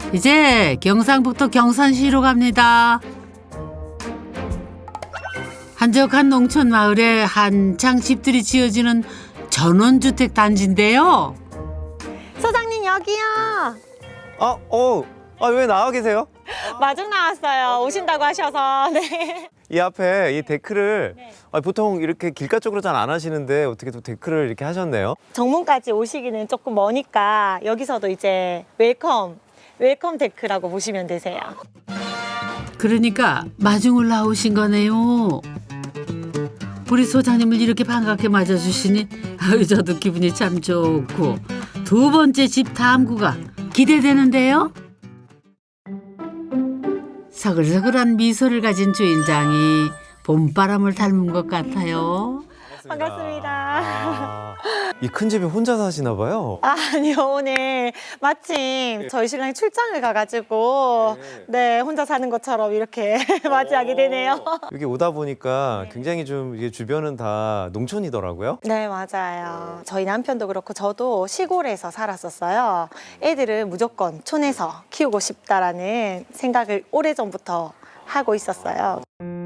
이제 경상북도 경산시로 갑니다. 한적한 농촌 마을에 한창 집들이 지어지는 전원주택 단지인데요. 소장님 여기요. 왜 나와 계세요? 마중 나왔어요. 오신다고 하셔서. 네. 이 앞에 이 데크를 네. 보통 이렇게 길가 쪽으로 잘 안 하시는데 어떻게 또 데크를 이렇게 하셨네요? 정문까지 오시기는 조금 머니까 여기서도 이제 웰컴 데크라고 보시면 되세요. 그러니까 마중을 나오신 거네요. 우리 소장님을 이렇게 반갑게 맞아주시니 저도 기분이 참 좋고 두 번째 집 탐구가 기대되는데요. 서글서글한 미소를 가진 주인장이 봄바람을 닮은 것 같아요. 반갑습니다. 이 큰 집에 혼자 사시나 봐요? 아니요, 오늘 마침 저희 신랑이 출장을 가가지고 네, 혼자 사는 것처럼 이렇게 맞이하게 되네요. 여기 오다 보니까 굉장히 좀 이게 주변은 다 농촌이더라고요. 네, 맞아요. 저희 남편도 그렇고 저도 시골에서 살았었어요. 애들은 무조건 촌에서 키우고 싶다라는 생각을 오래전부터 하고 있었어요.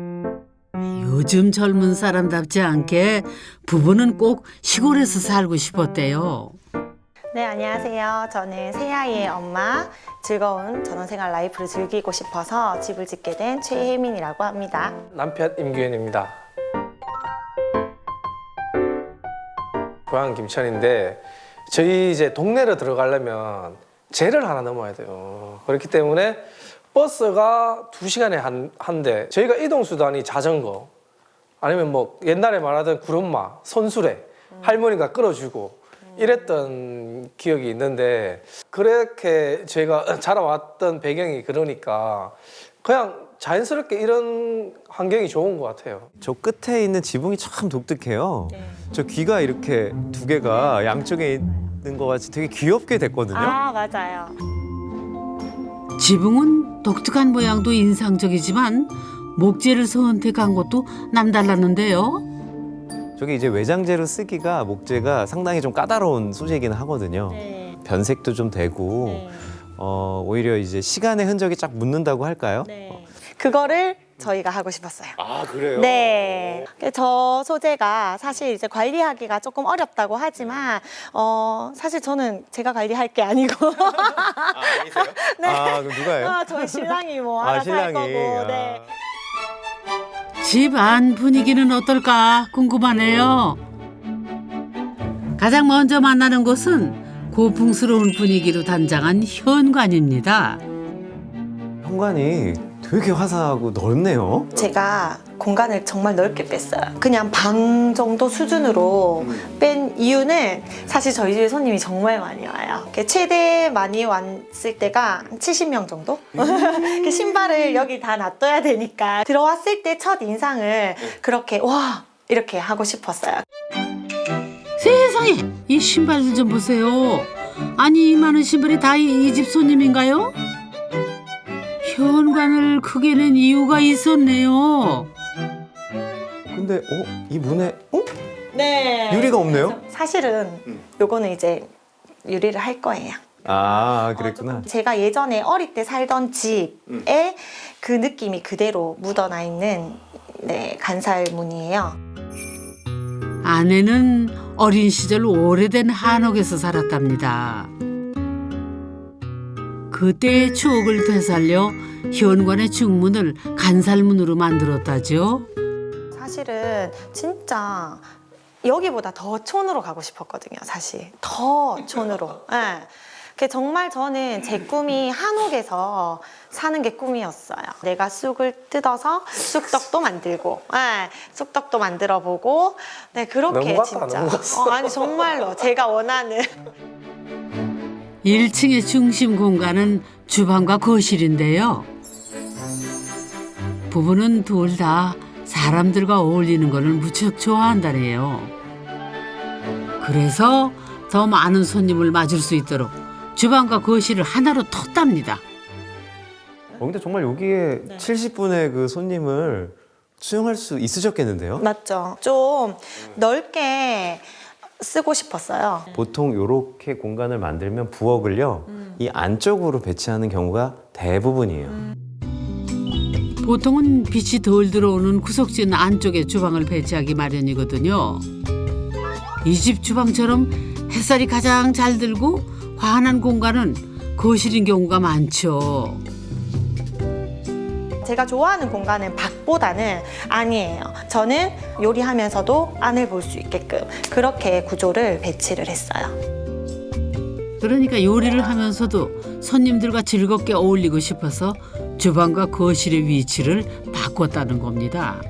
요즘 젊은 사람답지 않게 부부는 꼭 시골에서 살고 싶었대요. 네, 안녕하세요. 저는 새아이의 엄마, 즐거운 전원생활 라이프를 즐기고 싶어서 집을 짓게 된 최혜민이라고 합니다. 남편 임규현입니다. 고향 김천인데 저희 이제 동네로 들어가려면 제를 하나 넘어야 돼요. 그렇기 때문에 버스가 2시간에 한 대. 저희가 이동 수단이 자전거 아니면 뭐 옛날에 말하던 구름마, 손수레 할머니가 끌어주고 이랬던 기억이 있는데 그렇게 저희가 자라왔던 배경이 그러니까 그냥 자연스럽게 이런 환경이 좋은 것 같아요. 저 끝에 있는 지붕이 참 독특해요. 네. 저 귀가 이렇게 두 개가 양쪽에 있는 것 같이 되게 귀엽게 됐거든요. 아, 맞아요. 지붕은 독특한 모양도 인상적이지만 목재를 선택한 것도 남달랐는데요. 저게 이제 외장재로 쓰기가 목재가 상당히 좀 까다로운 소재이긴 하거든요. 네. 변색도 좀 되고 네. 오히려 이제 시간의 흔적이 쫙 묻는다고 할까요? 네. 그거를 저희가 하고 싶었어요. 아 그래요? 네. 저 소재가 사실 이제 관리하기가 조금 어렵다고 하지만, 사실 저는 제가 관리할 게 아니고. 아니세요? 네. 아 그럼 누가요? 저희 신랑이 뭐 알아서 할 거고. 네. 집 안 분위기는 어떨까 궁금하네요. 가장 먼저 만나는 곳은 고풍스러운 분위기로 단장한 현관입니다. 현관이 되게 화사하고 넓네요. 제가 공간을 정말 넓게 뺐어요. 그냥 방 정도 수준으로 뺀 이유는 사실 저희 집에 손님이 정말 많이 와요. 최대 많이 왔을 때가 한 70명 정도? 신발을 여기 다 놔둬야 되니까 들어왔을 때 첫 인상을 그렇게 와 이렇게 하고 싶었어요. 세상에 이 신발들 좀 보세요. 아니 이 많은 신발이 다 이 집 손님인가요? 현관을 크게 낸 이유가 있었네요. 근데 이 문에 네. 유리가 없네요? 사실은 요거는 이제 유리를 할 거예요. 아 그랬구나. 제가 예전에 어릴 때 살던 집에 그 느낌이 그대로 묻어나 있는 네, 간살문이에요. 아내는 어린 시절 오래된 한옥에서 살았답니다. 그때의 추억을 되살려 현관의 중문을 간살문으로 만들었다죠. 사실은 진짜 여기보다 더 촌으로 가고 싶었거든요. 사실 더 촌으로. 네. 정말 저는 제 꿈이 한옥에서 사는 게 꿈이었어요. 내가 쑥을 뜯어서 쑥떡도 만들고, 네, 쑥떡도 만들어보고, 네 그렇게 넘어갔다, 진짜. 넘어갔어. 아니 정말로 제가 원하는. 1층의 중심 공간은 주방과 거실인데요. 부부는 둘 다 사람들과 어울리는 것을 무척 좋아한다네요. 그래서 더 많은 손님을 맞을 수 있도록 주방과 거실을 하나로 텄답니다. 근데 정말 여기에 70분의 그 손님을 수용할 수 있으셨겠는데요? 맞죠. 좀 넓게 쓰고 싶었어요. 보통 이렇게 공간을 만들면 부엌을요 이 안쪽으로 배치하는 경우가 대부분이에요. 보통은 빛이 덜 들어오는 구석진 안쪽에 주방을 배치하기 마련이거든요. 이 집 주방처럼 햇살이 가장 잘 들고 환한 공간은 거실인 경우가 많죠. 제가 좋아하는 공간은 밖보다는 안이에요. 저는 요리하면서도 안을 볼 수 있게끔 그렇게 구조를 배치를 했어요. 그러니까 요리를 하면서도 손님들과 즐겁게 어울리고 싶어서 주방과 거실의 위치를 바꿨다는 겁니다.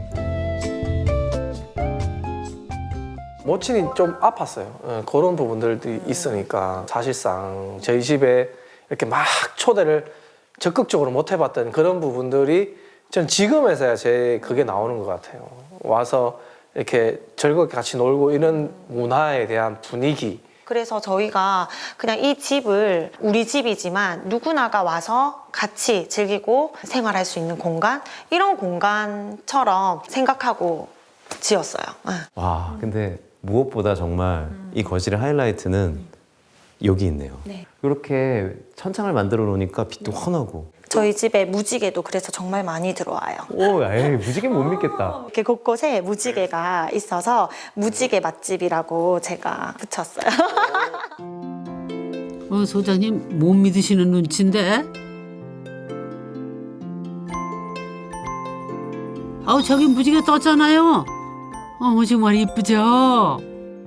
모친이 좀 아팠어요. 그런 부분들도 있으니까 사실상 저희 집에 이렇게 막 초대를 적극적으로 못 해봤던 그런 부분들이 전 지금에서야 그게 나오는 것 같아요. 와서 이렇게 즐겁게 같이 놀고 이런 문화에 대한 분위기. 그래서 저희가 그냥 이 집을 우리 집이지만 누구나가 와서 같이 즐기고 생활할 수 있는 공간, 이런 공간처럼 생각하고 지었어요. 와 근데 무엇보다 정말 이 거실의 하이라이트는 여기 있네요. 네. 이렇게 천창을 만들어 놓으니까 빛도 환하고. 저희 집에 무지개도 그래서 정말 많이 들어와요. 오, 에이 무지개 못 믿겠다. 이렇게 곳곳에 무지개가 있어서 무지개 맛집이라고 제가 붙였어요. 소장님 못 믿으시는 눈치인데? 아우 저기 무지개 떴잖아요. 정말 이쁘죠?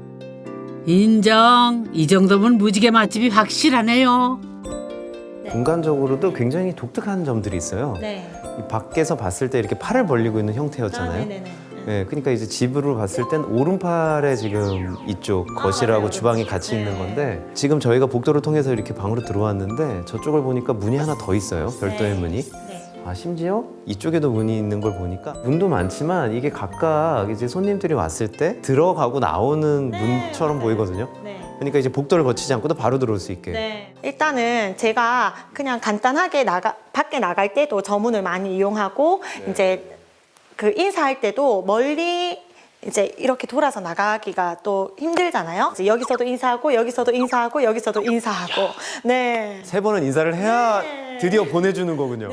인정. 이 정도면 무지개 맛집이 확실하네요. 공간적으로도 굉장히 독특한 점들이 있어요. 네. 이 밖에서 봤을 때 이렇게 팔을 벌리고 있는 형태였잖아요. 네, 그러니까 이제 집으로 봤을 땐 오른팔에 지금 이쪽 거실하고 주방이 같이 있는 건데 지금 저희가 복도를 통해서 이렇게 방으로 들어왔는데 저쪽을 보니까 문이 하나 더 있어요. 별도의 문이. 아 심지어 이쪽에도 문이 있는 걸 보니까 문도 많지만 이게 각각 이제 손님들이 왔을 때 들어가고 나오는 문처럼 보이거든요. 그러니까 이제 복도를 거치지 않고도 바로 들어올 수 있게. 일단은 제가 그냥 간단하게 밖에 나갈 때도 저 문을 많이 이용하고 이제 그 인사할 때도 멀리 이제 이렇게 돌아서 나가기가 또 힘들잖아요. 이제 여기서도 인사하고 여기서도 인사하고 여기서도 인사하고. 네. 3번은 인사를 해야 드디어 보내주는 거군요.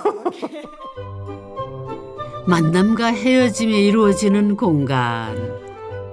만남과 헤어짐이 이루어지는 공간.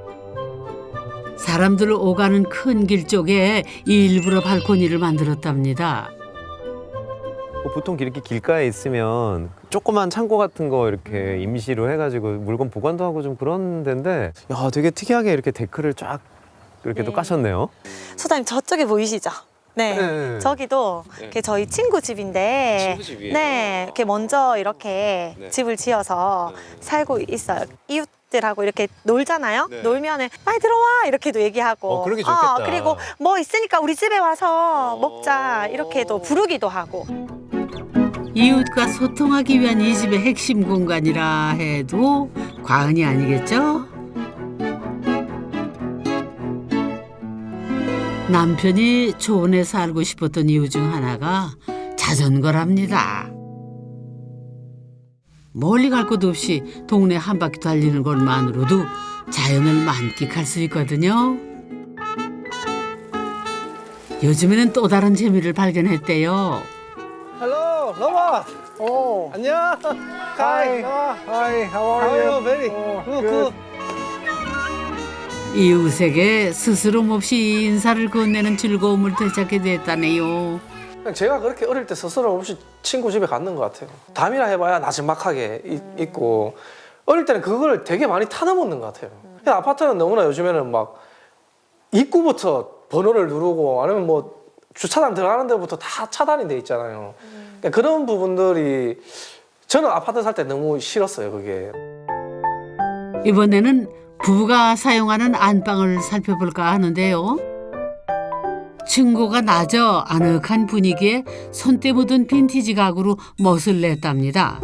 사람들 오가는 큰 길 쪽에 일부러 발코니를 만들었답니다. 보통 이렇게 길가에 있으면 조그만 창고 같은 거 이렇게 임시로 해가지고 물건 보관도 하고 좀 그런 데인데 야 되게 특이하게 이렇게 데크를 쫙 이렇게 또 까셨네요. 소장님 저쪽에 보이시죠? 네. 저기도 이렇게 저희 친구 집인데 친구 집이에요? 네. 이렇게 먼저 이렇게 집을 지어서 살고 있어요. 이웃들하고 이렇게 놀잖아요. 놀면은 빨리 들어와 이렇게도 얘기하고. 그러기 좋겠다. 그리고 뭐 있으니까 우리 집에 와서 먹자 이렇게도 부르기도 하고. 이웃과 소통하기 위한 이 집의 핵심 공간이라 해도 과언이 아니겠죠? 남편이 초원에 살고 싶었던 이유 중 하나가 자전거랍니다. 멀리 갈 것도 없이 동네 한 바퀴 달리는 것만으로도 자연을 만끽할 수 있거든요. 요즘에는 또 다른 재미를 발견했대요. Hello, Nova. 오. 안녕. Hi. Hi, how How are are you? you? Very good. 이웃에게 스스럼 없이 인사를 건네는 즐거움을 되찾게 됐다네요. 그냥 제가 그렇게 어릴 때 스스로 없이 친구 집에 갔는 것 같아요. 담이라 해봐야 나지막하게 있고 어릴 때는 그걸 되게 많이 타넘었는 것 같아요. 그냥 아파트는 너무나 요즘에는 막 입구부터 번호를 누르고 아니면 뭐 주차장 들어가는 데부터 다 차단이 돼 있잖아요. 그러니까 그런 부분들이 저는 아파트 살 때 너무 싫었어요. 그게. 이번에는 부부가 사용하는 안방을 살펴볼까 하는데요. 층고가 낮아 아늑한 분위기에 손때 묻은 빈티지 가구로 멋을 냈답니다.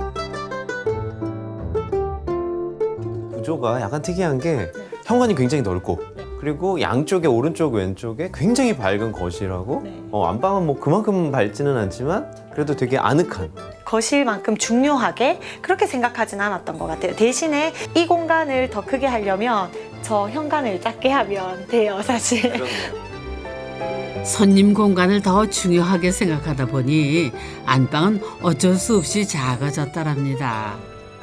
구조가 약간 특이한 게 현관이 굉장히 넓고 그리고 양쪽에 오른쪽 왼쪽에 굉장히 밝은 거실하고 안방은 뭐 그만큼 밝지는 않지만 그래도 되게 아늑한 거실만큼 중요하게 그렇게 생각하진 않았던 것 같아요. 대신에 이 공간을 더 크게 하려면 저 현관을 작게 하면 돼요, 사실. 손님 공간을 더 중요하게 생각하다 보니 안방은 어쩔 수 없이 작아졌다랍니다.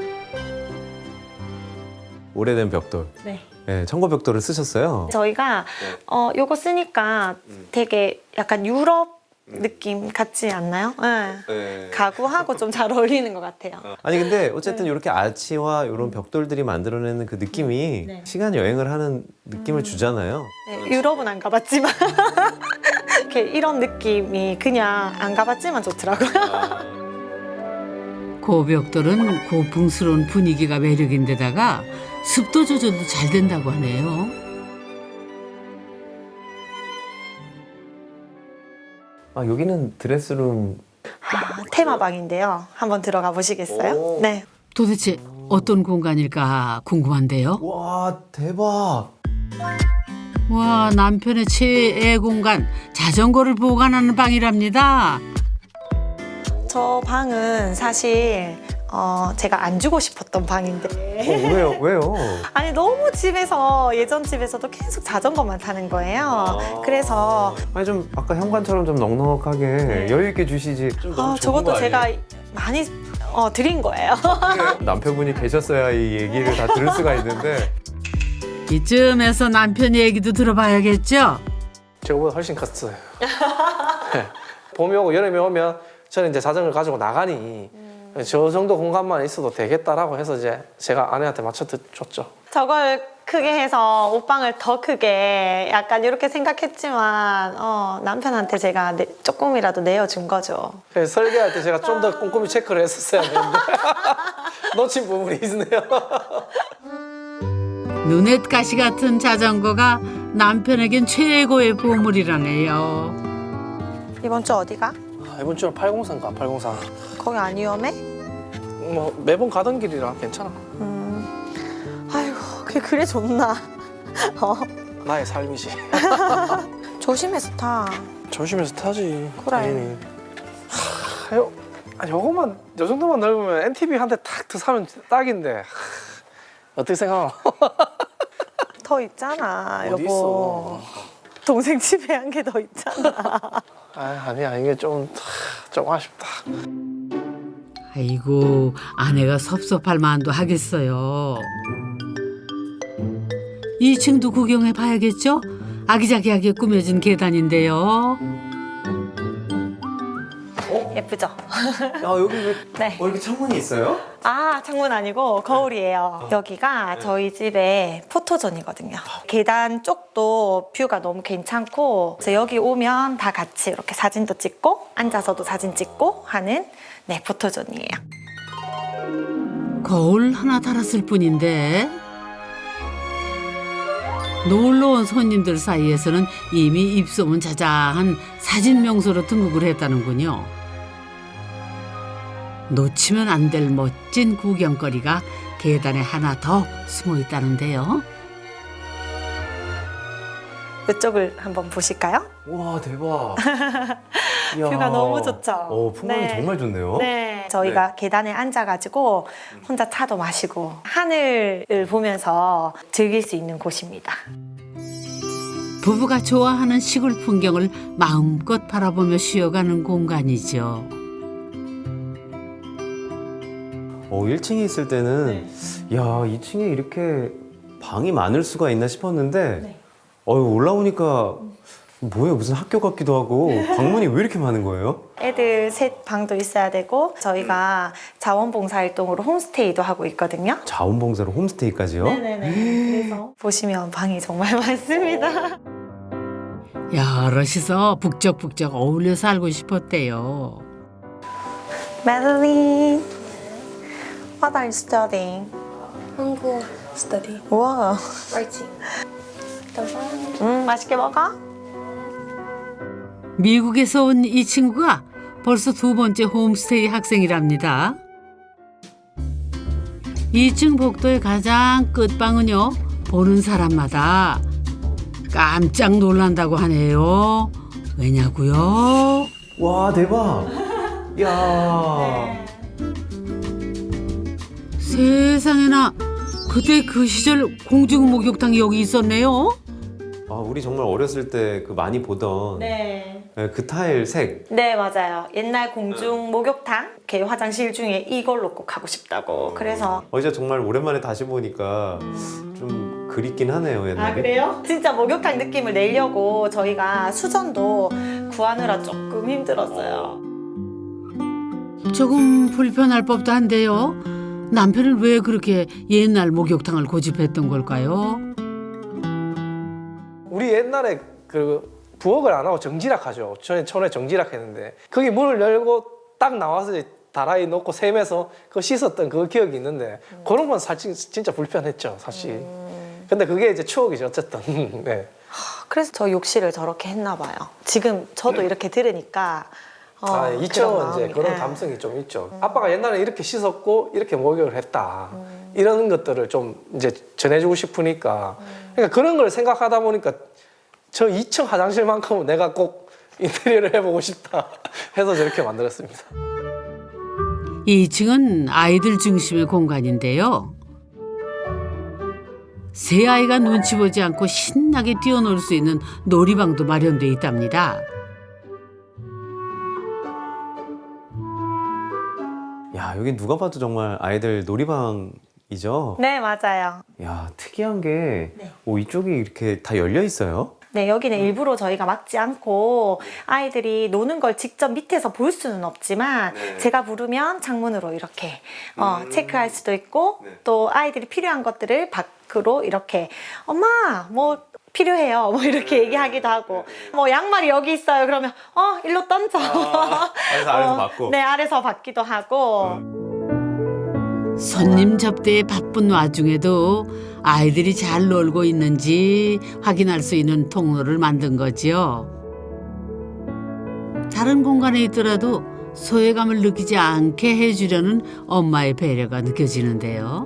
오래된 벽돌. 네. 네, 청고 벽돌을 쓰셨어요. 저희가 요거 쓰니까 되게 약간 유럽 느낌 같지 않나요? 네. 네. 가구하고 좀 잘 어울리는 것 같아요. 아니 근데 어쨌든 이렇게 아치와 이런 벽돌들이 만들어내는 그 느낌이 네. 시간 여행을 하는 느낌을 주잖아요. 네, 유럽은 안 가봤지만 이렇게 이런 느낌이 그냥 안 가봤지만 좋더라고요. 고벽돌은 고풍스러운 분위기가 매력인데다가 습도 조절도 잘 된다고 하네요. 아 여기는 드레스룸. 테마방인데요. 한번 들어가 보시겠어요? 오. 네. 도대체 어떤 공간일까 궁금한데요. 와 대박. 와, 남편의 최애 공간 자전거를 보관하는 방이랍니다. 저 방은 사실 제가 안 주고 싶었던 방인데 왜요? 아니 너무 집에서 예전 집에서도 계속 자전거만 타는 거예요. 그래서 아니 좀 아까 현관처럼 좀 넉넉하게 여유 있게 주시지. 좀 너무 좁은 저것도 거 아니에요? 제가 많이 드린 거예요. 남편분이 계셔서야 이 얘기를 다 들을 수가 있는데. 이쯤에서 남편 얘기도 들어봐야겠죠. 저거보다 훨씬 컸어요. 네. 봄이 오고 여름이 오면 저는 이제 자전거를 가지고 나가니 저 정도 공간만 있어도 되겠다라고 해서 이제 제가 아내한테 맞춰 줬죠. 저걸 크게 해서 옷방을 더 크게 약간 이렇게 생각했지만 남편한테 제가 조금이라도 내어준 거죠. 그래서 설계할 때 제가 좀 더 꼼꼼히 체크를 했었어야 되는데 놓친 부분이 있네요. 눈엣 가시 같은 자전거가 남편에겐 최고의 보물이라네요. 이번 주 어디가? 이번 주는 803가 803. 거기 안 위험해? 뭐 매번 가던 길이라 괜찮아. 아이고 그게 그래 좋나? 나의 삶이지. 조심해서 타. 조심해서 타지. 그래. 당연히. 요거만 요 정도만 넓으면 NTV 한 대 탁 더 사면 딱인데. 어떻게 생각하나? 더 있잖아 어디 여보. 있어? 동생 집에 한 개 더 있잖아. 아니야 이게 좀 아쉽다. 아이고, 아내가 섭섭할 만도 하겠어요. 2층도 구경해 봐야겠죠? 아기자기하게 꾸며진 계단인데요. 예쁘죠? 야 여기 왜 네. 이렇게 창문이 있어요? 아 창문 아니고 거울이에요. 여기가 저희 집의 포토존이거든요. 계단 쪽도 뷰가 너무 괜찮고 그래서 여기 오면 다 같이 이렇게 사진도 찍고 앉아서도 사진 찍고 하는 포토존이에요. 거울 하나 달았을 뿐인데 놀러 온 손님들 사이에서는 이미 입소문 자자한 사진 명소로 등극을 했다는군요. 놓치면 안 될 멋진 구경거리가 계단에 하나 더 숨어 있다는데요. 이쪽을 한번 보실까요? 와 대박. 뷰가 너무 좋죠? 풍광이 네. 정말 좋네요. 네, 저희가 계단에 앉아가지고 혼자 차도 마시고 하늘을 보면서 즐길 수 있는 곳입니다. 부부가 좋아하는 시골 풍경을 마음껏 바라보며 쉬어가는 공간이죠. 1층에 있을 때는 야 2층에 이렇게 방이 많을 수가 있나 싶었는데 올라오니까 뭐예요? 무슨 학교 같기도 하고 방문이 왜 이렇게 많은 거예요? 애들 셋 방도 있어야 되고 저희가 자원봉사활동으로 홈스테이도 하고 있거든요. 자원봉사로 홈스테이까지요? 네네네. 그래서 보시면 방이 정말 많습니다. 여럿이서 북적북적 어울려 살고 싶었대요. Madeline, what are you studying? 한국 study 우와, writing. 맛있게 먹어? 미국에서 온 이 친구가 벌써 두 번째 홈스테이 학생이랍니다. 2층 복도의 가장 끝방은요, 보는 사람마다 깜짝 놀란다고 하네요. 왜냐고요? 와 대박. 야. 세상에나 그때 그 시절 공중 목욕탕이 여기 있었네요. 아, 우리 정말 어렸을 때 그 많이 보던 네. 그 타일 색. 네, 맞아요. 옛날 공중 목욕탕 이렇게 화장실 중에 이걸로 꼭 하고 싶다고. 그래서 이제 정말 오랜만에 다시 보니까 좀 그립긴 하네요, 옛날에. 아, 그래요? 진짜 목욕탕 느낌을 내려고 저희가 수전도 구하느라 조금 힘들었어요. 조금 불편할 법도 한데요. 남편은 왜 그렇게 옛날 목욕탕을 고집했던 걸까요? 우리 옛날에 그 부엌을 안 하고 정지락 하죠. 저는 처음에 정지락 했는데 거기 문을 열고 딱 나와서 이제 다라이 놓고 샘에서 그거 씻었던 그 기억이 있는데 그런 건 사실 진짜 불편했죠, 사실. 근데 그게 이제 추억이죠, 어쨌든. 네. 그래서 저 욕실을 저렇게 했나 봐요. 지금 저도 이렇게 들으니까 있죠. 그런 이제 마음이. 그런 네. 감성이 좀 있죠. 아빠가 옛날에 이렇게 씻었고 이렇게 목욕을 했다. 이런 것들을 좀 이제 전해주고 싶으니까. 그러니까 그런 걸 생각하다 보니까 저 2층 화장실만큼은 내가 꼭 인테리어를 해보고 싶다 해서 저렇게 만들었습니다. 2층은 아이들 중심의 공간인데요. 새 아이가 눈치 보지 않고 신나게 뛰어놀 수 있는 놀이방도 마련돼 있답니다. 야, 여기 누가 봐도 정말 아이들 놀이방이죠? 네, 맞아요. 야, 특이한 게 이쪽이 이렇게 다 열려 있어요? 네, 여기는 일부러 저희가 막지 않고 아이들이 노는 걸 직접 밑에서 볼 수는 없지만 제가 부르면 창문으로 이렇게 체크할 수도 있고 또 아이들이 필요한 것들을 밖으로 이렇게 엄마 뭐 필요해요 뭐 이렇게 얘기하기도 하고 뭐 양말이 여기 있어요 그러면 일로 던져 아래서 받고. 네, 아래서 받기도 하고 손님 접대에 바쁜 와중에도 아이들이 잘 놀고 있는지 확인할 수 있는 통로를 만든 거지요. 다른 공간에 있더라도 소외감을 느끼지 않게 해주려는 엄마의 배려가 느껴지는데요.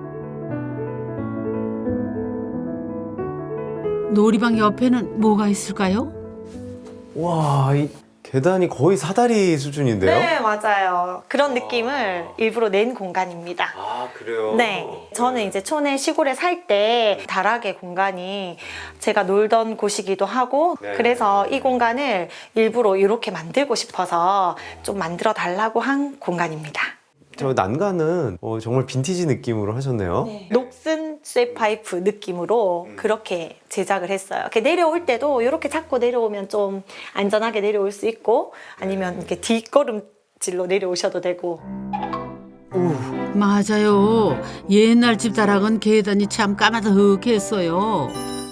놀이방 옆에는 뭐가 있을까요? 와, 이 계단이 거의 사다리 수준인데요? 네, 맞아요. 그런 느낌을 일부러 낸 공간입니다. 아, 그래요? 네. 저는 이제 촌에 시골에 살 때 다락의 공간이 제가 놀던 곳이기도 하고 네. 그래서 이 공간을 일부러 이렇게 만들고 싶어서 좀 만들어 달라고 한 공간입니다. 저 난간은 정말 빈티지 느낌으로 하셨네요. 녹슨 쇠파이프 느낌으로 그렇게 제작을 했어요. 이렇게 내려올 때도 이렇게 잡고 내려오면 좀 안전하게 내려올 수 있고 아니면 이렇게 뒷걸음질로 내려오셔도 되고. 맞아요. 옛날 집 다락은 계단이 참 까마득했어요.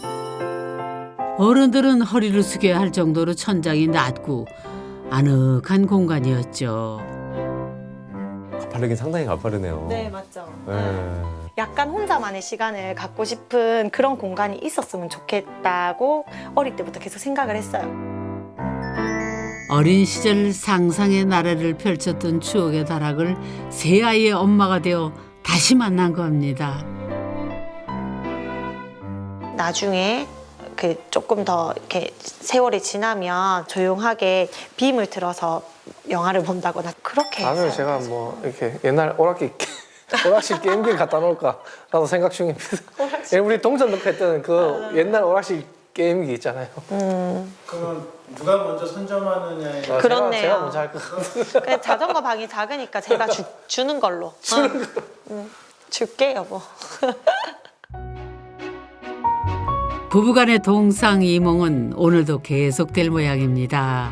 어른들은 허리를 숙여야 할 정도로 천장이 낮고 아늑한 공간이었죠. 가파르긴 상당히 가파르네요. 네, 맞죠. 네. 약간 혼자만의 시간을 갖고 싶은 그런 공간이 있었으면 좋겠다고 어릴 때부터 계속 생각을 했어요. 어린 시절 상상의 나래를 펼쳤던 추억의 다락을 세 아이의 엄마가 되어 다시 만난 겁니다. 나중에 조금 더 이렇게 세월이 지나면 조용하게 빔을 틀어서 영화를 본다거나 그렇게 다음에 했어요. 제가 뭐 이렇게 옛날 오락실 게임기 갖다 놓을까 나도 생각 중입니다. 우리 동전 넣고 했던 그 옛날 오락실 게임기 있잖아요. 그러면 누가 먼저 선점하느냐에 따라 그렇네요. 제가 먼저 할 것 같아요. 그 자전거 방이 작으니까 제가 주는 걸로. 줄게 여보. 부부간의 동상이몽은 오늘도 계속될 모양입니다.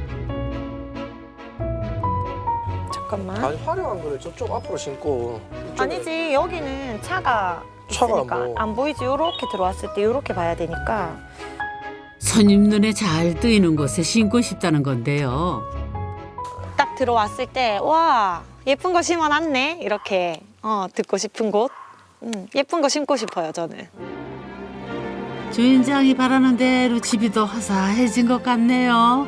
잠깐만. 아주 화려한 거를 저쪽 앞으로 신고 이쪽에 아니지, 여기는 차가 차가 있으니까 뭐. 안 보이지. 요렇게 들어왔을 때 요렇게 봐야 되니까. 손님 눈에 잘 뜨이는 곳에 신고 싶다는 건데요. 딱 들어왔을 때 와, 예쁜 거 심어놨네 이렇게 듣고 싶은 곳. 예쁜 거 심고 싶어요 저는. 주인장이 바라는 대로 집이 더 화사해진 것 같네요.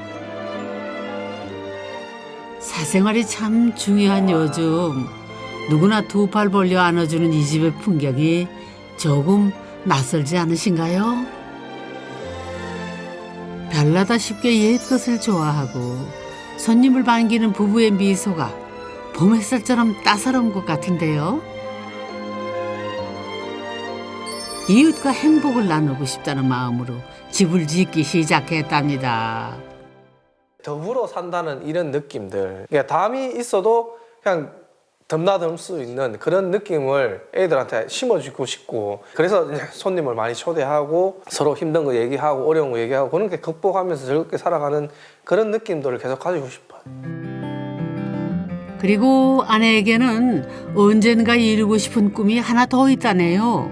사생활이 참 중요한 요즘 누구나 두 팔 벌려 안아주는 이 집의 풍경이 조금 낯설지 않으신가요? 별나다 쉽게 옛것을 좋아하고 손님을 반기는 부부의 미소가 봄 햇살처럼 따사로운 것 같은데요. 이웃과 행복을 나누고 싶다는 마음으로 집을 짓기 시작했답니다. 더불어 산다는 이런 느낌들. 그러니까 담이 있어도 그냥 덤나들 수 있는 그런 느낌을 애들한테 심어주고 싶고, 그래서 이제 손님을 많이 초대하고 서로 힘든 거 얘기하고 어려운 거 얘기하고 그런 게 극복하면서 즐겁게 살아가는 그런 느낌들을 계속 가지고 싶어요. 그리고 아내에게는 언젠가 이루고 싶은 꿈이 하나 더 있다네요.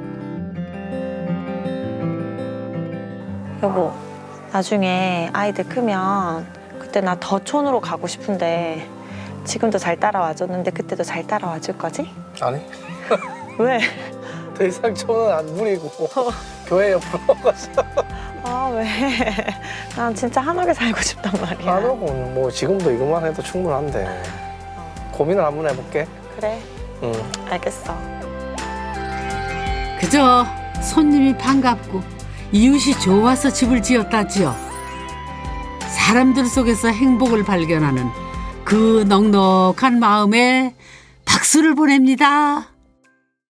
여보, 나중에 아이들 크면 그때 나 더 촌으로 가고 싶은데 지금도 잘 따라와 줬는데 그때도 잘 따라와 줄 거지? 아니, 왜? 더 이상 저는 안 부리고 교회 옆으로 가서 아, 왜? 난 진짜 한옥에 살고 싶단 말이야. 안 오고 뭐 지금도 이것만 해도 충분한데 고민을 한번 해볼게. 그래, 응. 알겠어. 그저 손님이 반갑고 이웃이 좋아서 집을 지었다지요. 사람들 속에서 행복을 발견하는 그 넉넉한 마음에 박수를 보냅니다.